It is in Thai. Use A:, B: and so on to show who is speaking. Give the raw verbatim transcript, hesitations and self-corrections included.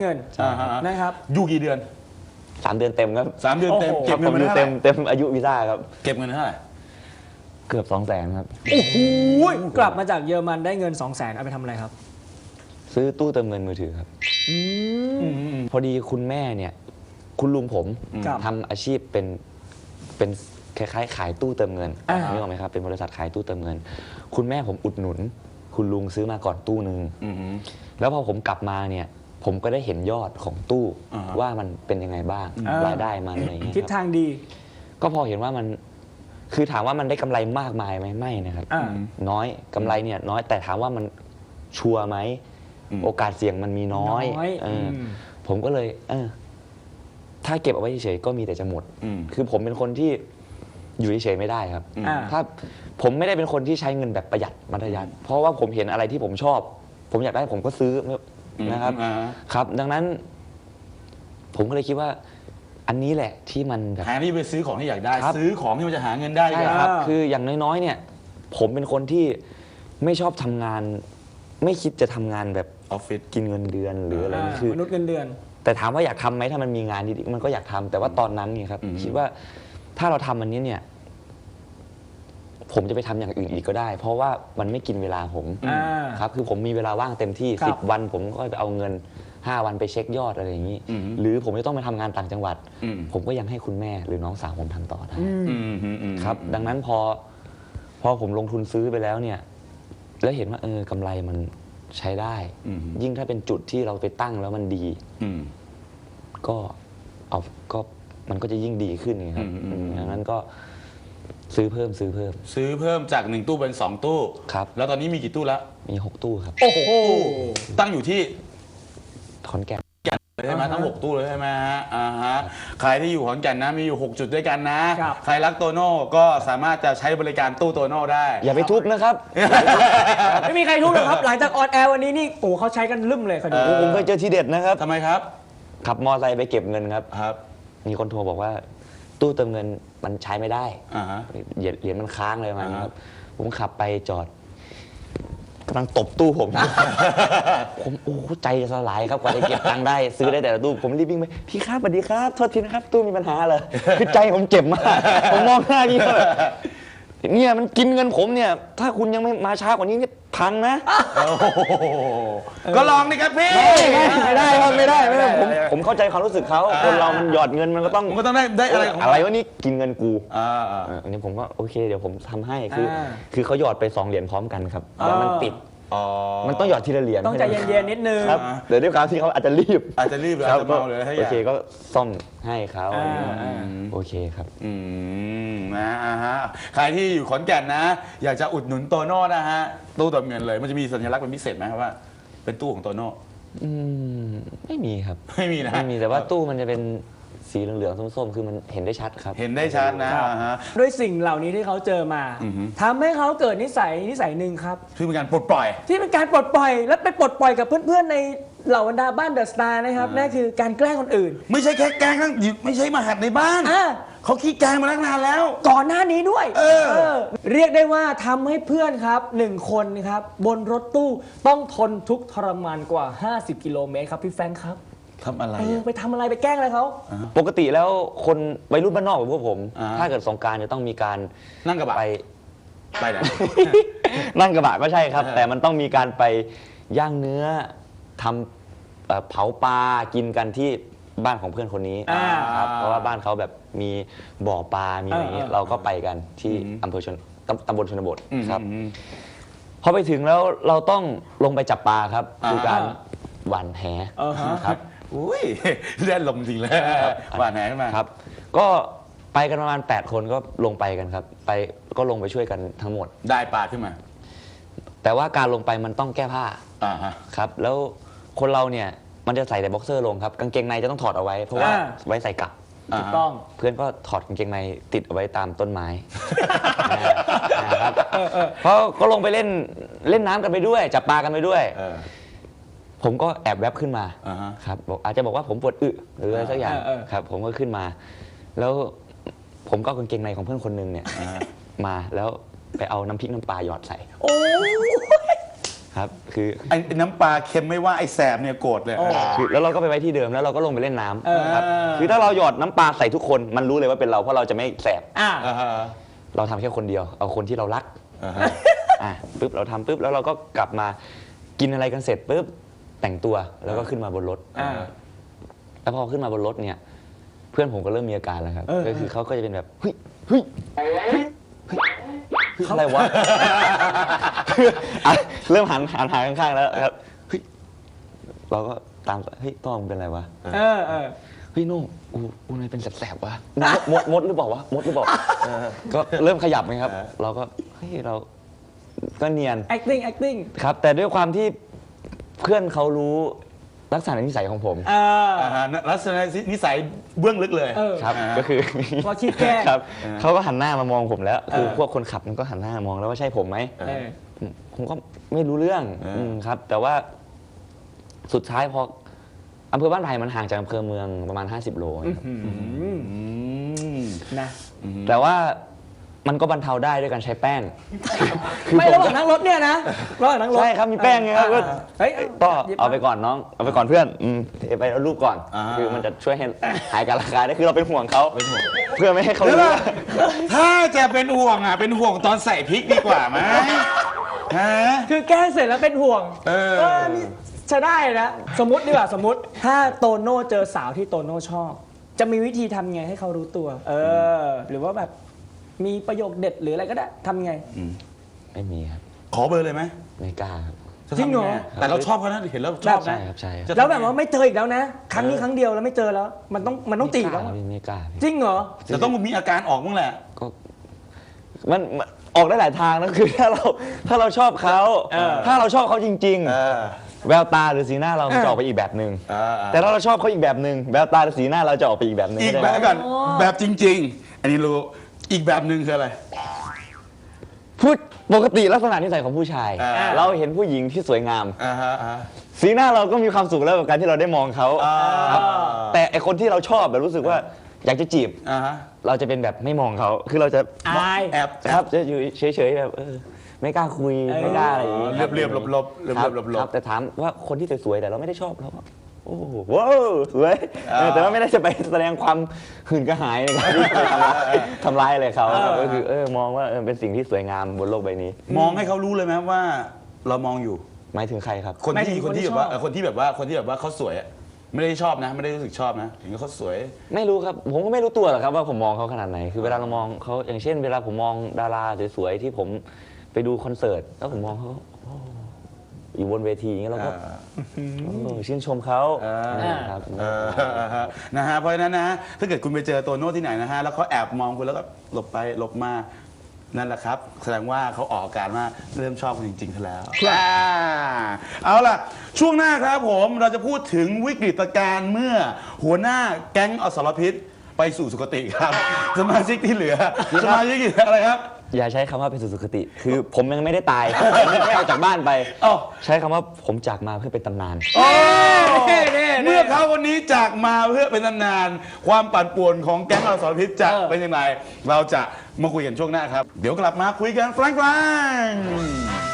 A: เงินนะครับ
B: อยู่กี่เดือน
C: สามเดือนเต็มครับ
B: สามเดือนเต็มเก็บเงิน
C: อยู่เต็มเต็มอายุวีซ่าครับ
B: เก็บเงินเท่าไหร่
C: เกือบสองแสนครับ
A: โอ้โหกลับมาจากเยอรมันได้เงินสองแสนเอาไปทำอะไรครับ
C: ซื้อตู้เติมเงินมือถือครับพอดีคุณแม่เนี่ยคุณลุงผมทำอาชีพเป็นเป็นคล้ายๆขายตู้เติมเงินนึกออกไหมครับเป็นบริษัทขายตู้เติมเงินคุณแม่ผมอุดหนุนคุณลุงซื้อมาก่อนตู้หนึ่งแล้วพอผมกลับมาเนี่ยผมก็ได้เห็นยอดของตู้ว่ามันเป็นยังไงบ้างรายได้มันอะไรเงี้ย
A: ทิศทางดี
C: ก็พอเห็นว่ามันคือถามว่ามันได้กำไรมากมายไหมไม่นะครับน้อยกำไรเนี่ยน้อยแต่ถามว่ามันชัวร์ไหมโอกาสเสี่ยงมันมีน้อยผมก็เลยเออถ้าเก็บเอาไว้เฉยๆก็มีแต่จะหมดคือผมเป็นคนที่อยู่เฉยๆไม่ได้ครับถ้าผมไม่ได้เป็นคนที่ใช้เงินแบบประหยัดมัธยัสถ์เพราะว่าผมเห็นอะไรที่ผมชอบผมอยากได้ผมก็ซื้อนะครับครับดังนั้นผมก็เลยคิดว่าอันนี้แหละที่มันแบบ
B: หาที่ไปซื้อของที่อยากได้ซื้อของที่มันจะหาเงินได้
C: ใช่ครับคืออย่างน้อยๆเนี่ยผมเป็นคนที่ไม่ชอบทำงานไม่คิดจะทำงานแบบ
B: ออฟฟิศ
C: กินเงินเดือนหรืออะไรคือ
A: มนุษย์เงินเดือน
C: แต่ถามว่าอยากทำไหมถ้ามันมีงานดีๆมันก็อยากทำแต่ว่าตอนนั้นเนี่ยครับคิดว่าถ้าเราทำอันนี้เนี่ยผมจะไปทำอย่างอื่นอีกก็ได้เพราะว่ามันไม่กินเวลาผมครับคือผมมีเวลาว่างเต็มที่สิบวันผมก็ไปเอาเงินห้าวันไปเช็คยอดอะไรอย่างนี้หรือผมจะต้องไปทำงานต่างจังหวัดผมก็ยังให้คุณแม่หรือน้องสาวผมทำต่อได้ครับดังนั้นพอพอผมลงทุนซื้อไปแล้วเนี่ยแล้วเห็นว่าเออกำไรมันใช้ได้ยิ่งถ้าเป็นจุดที่เราไปตั้งแล้วมันดีก็เอาก็มันก็จะยิ่งดีขึ้นไงครับดังนั้นก็ซื้อเพิ่มซื้อเพิ่ม
B: ซื้อเพิ่มจากหนึ่งตู้เป็นสองตู้
C: ครับ
B: แล้วตอนนี้มีกี่ตู้แล้ว
C: มีหกตู้ครับ
B: โอ้โหตั้งอยู่ที่
C: ขอนแก่น
B: ใช่ไหมทั้งหกตู้เลยใช่ไหมฮะอ่าฮะใครที่อยู่ขอนแก่นนะมีอยู่หกจุดด้วยกันนะใครรักโตโน่ก็สามารถจะใช้บริการตู้โตโน่ได้
C: อย่าไปทุบนะครับ
A: ไม่มีใครทุบหรอกครับหลังจากออนแอร์วันนี้นี่โอ้เขาใช้กันลืมเลยคดี
C: ผมเคยเจอทีเด็ดนะครับ
B: ทำไมครับ
C: ขับมอไซค์ไปเก็บเงินครับ
B: ครับ
C: มีคนโทรบอกว่าตู้เติมเงินมันใช้ไม่ได้เหรียญมันค้างเลยมันครับผมขับไปจอดกำลังตบตู้ผมผมโอ้ใจจะสลายครับกว่าจะเก็บตังค์ได้ซื้อได้แต่ละตู้ผมรีบวิ่งไปพี่ครับสวัสดีครับโทษทีนะครับตู้มีปัญหาเลยคือใจผมเจ็บมากผมมองหน้าพี่แบบเนี่ยมันกินเงินผมเนี่ยถ้าคุณยังไม่มาช้ากว่านี้เนี่ยพังนะ
B: ก็ลองดิครับพี่
C: ไม่ได้ครับไม่ได้ไม่ได้ผมผมเข้าใจความรู้สึกเขาคนเรามันหยอดเงินมันก็ต้อง
B: มันก็ต้องได้ได้อะไร
C: อะไรวะนี่กินเงินกูอันนี้ผมก็โอเคเดี๋ยวผมทำให้คือคือเขาหยอดไปสองเหรียญพร้อมกันครับแล้วมันติดมันต้องหยอดทีละเหรียญ
A: ต้องใจเย็นๆนิดนึง
C: ครับเดี๋ยวด้วยความที่เขาอาจจะรีบ
B: อาจจะรีบอาจจะเมาเลย
C: โอเคก็ซ่อมให้เขาโอเคครับ
B: อืมนะฮะใครที่อยู่ขอนแก่นนะอยากจะอุดหนุนโตโน่นะฮะตู้เติมเงินเลยมันจะมีสัญลักษณ์เป็นพิเศษไหมครับว่าเป็นตู้ของโตโน่
C: อืมไม่มีครับ
B: ไม่มีนะ
C: ไม่มีแต่ว่าตู้มันจะเป็นสีเหลืองๆส้มๆคือมันเห็นได้ชัดครับ
B: เห็นได้ชัดนะ
A: ด้วยสิ่งเหล่านี้ที่เขาเจอมาทำให้เขาเกิดนิสัยนิสัยหนึ่งครับ
B: ที่เป็นการปลดปล่อย
A: ที่เป็นการปลดปล่อยและไปปลดปล่อยกับเพื่อนๆในเหล่าบรรดาบ้านเดอะสตาร์นะครับนั่นคือการแกล้งคนอื่น
B: ไม่ใช่แค่แกล้งทั้งไม่ใช่มาหัดในบ้านเขาขี้แกล้งมาตั้งนานแล้ว
A: ก่อนหน้านี้ด้วยเออเรียกได้ว่าทำให้เพื่อนครับหนึ่งคนครับบนรถตู้ต้องทนทุกข์ทรมานกว่าห้าสิบกิโลเมตรครับพี่แฟรงค์ครับ
B: ทำอะไร
A: ไปทำอะไรไปแกล้งอะไรเขา
C: ปกติแล้วคนวัยรุ่นบ้านนอกแบบพวกผมถ้าเกิดสงกรานต์จะต้องมีการ
B: นั่งกระบะ
C: ไป
B: ไปไหน
C: นั่งกระบะก็ใช่ครับแต่มันต้องมีการไปย่างเนื้อทำเผาปลากินกันที่บ้านของเพื่อนคนนี้ครับเพราะว่าบ้านเขาแบบมีบ่อปลามีอะไรอย่างเงี้ยเราก็ไปกันที่อำเภอชนตำบลชนบทครับพอไปถึงแล้วเราต้องลงไปจับปลาครับคือการหว่านแหครับ
B: อุ้ยเล่นลมจริงเลยหว่านแหขึ้นมา
C: ครับก็ไปกันประมาณแปดคนก็ลงไปกันครับไปก็ลงไปช่วยกันทั้งหมด
B: ได้ปลาขึ้นมา
C: แต่ว่าการลงไปมันต้องแก้ผ้าครับแล้วคนเราเนี่ยมันจะใส่แต่บ็อกเซอร์ลงครับกางเกงในจะต้องถอดเอาไว้เพราะว่าไว้ใส่กลับ
A: ถูกต้อง
C: เพื่อนก็ถอดกางเกงในติดเอาไว้ตามต้นไม้นะครับเพราะก็ลงไปเล่นเล่นน้ำกันไปด้วยจับปลากันไปด้วยผมก็แอบแวบขึ้นมาครับบอกอาจจะบอกว่าผมปวดอึหรืออะไรสักอย่างครับผมก็ขึ้นมาแล้วผมก็กางเกงในของเพื่อนคนนึงเนี่ยมาแล้วไปเอาน้ำพริกน้ำปลาหยอดใส่
A: โอ้
C: ครับคือ
B: ไอ้ไอ้น้ำปลาเค็มไม่ว่าไอ้แสบเนี่ยโกรธเลย
A: โอ้
C: คือแล้วเราก็ไปไว้ที่เดิมแล้วเราก็ลงไปเล่นน้
A: เออ
C: ำครับคือถ้าเราหยอดน้ำปลาใส่ทุกคนมันรู้เลยว่าเป็นเราเพราะเราจะไม่แสบ
A: อ่า
B: อ่าฮะ
C: เราทำแค่คนเดียวเอาคนที่เรารัก
B: อ่าฮะ
C: อ่ะปุ๊บเราทำปุ๊บแล้วเราก็กลับมากินอะไรกันเสร็จปุ๊บแต่งตัวแล้วก็ขึ้นมาบนรถ
A: อ่า
C: แล้วพอขึ้นมาบนรถเนี่ยเพื่อนผมก็เริ่มมีอาการแล้วครับ
A: เออ
C: ก็คือเขาก็จะเป็นแบบเฮ้ยเฮ้ยเฮ้ยเฮ้ยอะไรวะ อ่ะเริ่มหันหันหาข้างๆแล้วครับเฮ้ยเราก็ตามเฮ้ยต้องเป็นอะไรวะ
A: เออเออ
C: เฮ้ยโน่กูกูนายเป็นแสบๆวะมดมดหรือเปล่าวะมดหรือเปล่าก็เริ่มขยับไงครับ เราก็เฮ้ยเราก็เนียน
A: acting acting
C: ครับ แต่ด้วยความที่เพื่อนเขารู้ลักษณะนิสัยของผม
A: เออ
B: อ่าฮะลักษณะนิสัยเบื้องลึกเลย
A: เออ
C: ครับ
B: อ่า
C: ก็คือ
A: เราคิดแกล้ง
C: ครับเขาก็หันหน้ามามองผมแล้ว คือ
A: เออ
C: พวกคนขับมันก็หันหน้ามองแล้วว่าใช่ผมไหม
A: เออ
C: ผมผมก็ไม่รู้เรื่อง
B: เอออื
C: มครับ แต่ว่าสุดท้ายพออำเภอบ้านไผ่มันห่างจากอำเภอเมืองประมาณ ห้าสิบ โลครับ
A: อืม
B: อืม
A: นะ
C: แต่ว่ามันก็บรรเทาได้ด้วยการใช้แป้ง
A: ไม่ระหว่างนั่งรถเนี่ยนะระหว่างนั่งรถ
C: ใช่ครับมีแป้งไงครับก็
A: อ่าเฮ้ย
C: ก็
A: หยิบ
C: เอาไปก่อนน้องเอาไปก่อนเพื่อนอืมเทไปแล้วรูปก่อน
B: อ่า
C: คือมันจะช่วยให้หายการระคายได้คือเราเป็นห่วงเขาเพื่อไม่ให้เขา
B: เดี๋ยว
C: รู้
B: นะถ้าจะเป็นห่วงอ่ะเป็นห่วงตอนใส่พริกดีกว่าไหมฮะ
A: คือแกล้งเสร็จแล้วเป็นห่วง
B: เออ
A: นี่ใช้ได้นะ สมมติดีกว่าสมมติ ถ้าโตโน่เจอสาวที่โตโน่ชอบ จะมีวิธีทำไงให้เขารู้ตัว เออ หรือว่าแบบมีประโยคเด็ดหรืออะไรก็ได้ทำไง
C: ไม่มีครับ
B: ขอเบอร์เลยไหม
C: ไม่กล้าครับ
B: ะ
A: จริงเหรอ
B: ทำไแต่เราชอบเขานะเห็นแล้วชอบ
C: ใช่
B: นะครับ
C: ใช่ครับ
B: จะ
A: แล้วแบบว่าไม่เจออีกแล้วนะ ครั้งนี้ครั้งเดียวแล้วไม่เจอแล้ว มันต้องมันต้องตี
C: ไม่
A: แล้
C: ก
A: ว
C: ล้า
A: อะ
C: ไม่กล้า
A: จริงเหรอ
B: จะต้องมีอาการออกบ้างแหละ
C: ก็มันมันออกได้หลายทางนะคือถ้าเราถ้าเราชอบเขา
A: เออ
C: ถ้าเราชอบเขาจริง
B: เออ
C: ๆ แววตาหรือสีหน้าเรามันจะออกไปอีกแบบหนึ่ง
B: เออเออ
C: แต่ถ้าเราชอบเขาอีกแบบหนึ่งแววตาหรือสีหน้าเราจะออกไปอีกแบบหนึ่ง
B: อีก
C: เข้า
B: แบ
C: ใจ
B: บ
C: ไหม
B: ก่อนแบบจริง ๆ อันนี้รู้อีกแบบหนึ่งคืออะไร
C: พูดปกติลักษณะนิสัยของผู้ชาย
B: อ่า
C: เราเห็นผู้หญิงที่สวยงาม
B: อ่าฮะอ่าฮะ
C: สีหน้าเราก็มีความสุขแล้วกับการที่เราได้มองเขา
B: อ่า
C: ครับแต่ไอคนที่เราชอบแบบรู้สึกว่าอยากจะจีบ
B: อ่าฮะ
C: เราจะเป็นแบบไม่มองเขาคือเราจะ
A: อาย
B: แอบ
C: ครับจะอยู่เฉยๆแบบเออไม่กล้าคุย
A: เออ
C: ไม่กล้าอะไรอย่างงี้
B: เรียบเรียบๆหลบๆเรียบ
C: ค
B: เรี
C: รั
B: ย
C: บบ
B: หล
C: ครับ
B: บ
C: แต่ถามว่าคนที่สวยๆแต่เราไม่ได้ชอบเราก็โอ้โหว้าวสวยเออแต่ว่าไม่ได้จะไปแสดงความหื่นกระหายในการที่จะทำร้ายทำร้ายอะไรเขาครับก็คือเออมองว่าเออเป็นสิ่งที่สวยงามบนโลกใบนี้
B: ๆมองให้เขารู้เลยไหมว่าเรามองอยู่
C: หมายถึงใครครับ
B: คน
A: หมายถึ
B: ที่
A: ง
B: คนที่
A: คนที่
B: แบบว่า
A: ชอบ
B: เออคนที่แบบว่าคนที่แบบว่าเขาสวยอะไม่ได้ชอบนะ ไม่ได้รู้สึกชอบนะเห็นเขาสวย
C: ไม่รู้ครับ ผมก็ไม่รู้ตัวหรอกครับว่าผมมองเขาขนาดไหน คือเวลาเรามองเขาอย่างเช่น เวลาผมมองดาราสวยๆที่ผมไปดูคอนเสิร์ตแล้วผมมองเขาโอ้อยู่บนเวทีอย่างเงี้ยเราก็เออชื่นชมเขา
B: อ่า
C: อ่าครับ
B: เออนะฮะเพราะฉะนั้นนะถ้าเกิดคุณไปเจอตัวโน้ตที่ไหนนะฮะแล้วเขาแอบมองคุณแล้วก็หลบไปหลบมานั่นแหละครับ แสดงว่าเขาออกอาการว่าเริ่มชอบคุณจริงๆซะแล้วอ่าเอาล่ะ ช่วงหน้าครับผมเราจะพูดถึงวิกฤตการณ์เมื่อหัวหน้าแก๊งอสรพิษไปสู่สุคติครับ สมาชิกที่เหลือสมาชิกที่เหลืออะไรครับ
C: อย่าใช้คำว่าเป็นสุสุคติ คือผมยังไม่ได้ตาย ผมยังไม่ออกจากบ้านไป
B: อ้าว
C: ใช้คำว่าผมจากมาเพื่อเป็นตำนาน
B: โอ้
A: เน่เน่เน่
B: เมื่อเขาคนนี้จากมาเพื่อเป็นนานๆความปั่นป่วนของแก๊งอสรพิษจะ
A: เออ
B: เป็นยังไงเราจะมาคุยกันช่วงหน้าครับ เดี๋ยวกลับมาคุยกันแฟรงๆ